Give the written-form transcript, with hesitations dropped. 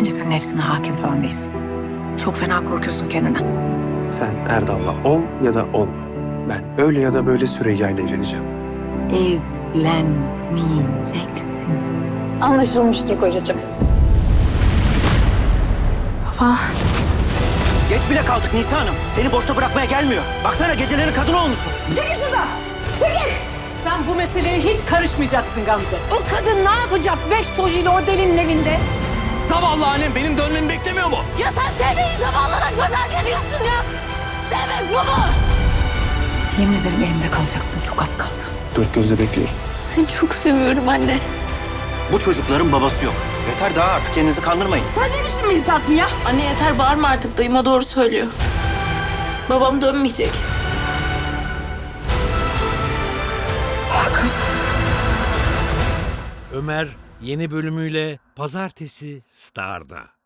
Bence sen nefsine hakim falan değilsin. Çok fena korkuyorsun kendinden. Sen Erdal'la ol ya da olma. Ben öyle ya da böyle Süreyya ile evleneceğim. Evlenmeyeceksin. Anlaşılmıştır kocacığım. Baba. Geç bile kaldık Nisa Hanım. Seni boşta bırakmaya gelmiyor. Baksana gecelerin kadını olmuşsun. Çekil şuradan! Çekil! Sen bu meseleye hiç karışmayacaksın Gamze. O kadın ne yapacak 5 çocuğuyla o delinin evinde? Zavallı annem benim dönmemi beklemiyor mu? Ya sen sevmeyi zavallılık mı ediyorsun ya? Sevmek bu mu? Yemin ederim elimde kalacaksın. Çok az kaldı. Dört gözle bekliyorum. Seni çok seviyorum anne. Bu çocukların babası yok. Yeter daha artık kendinizi kandırmayın. Sen ne biçim bir insansın ya? Anne yeter bağırma artık, dayıma doğru söylüyor. Babam dönmeyecek. Ömer yeni bölümüyle Pazartesi Star'da.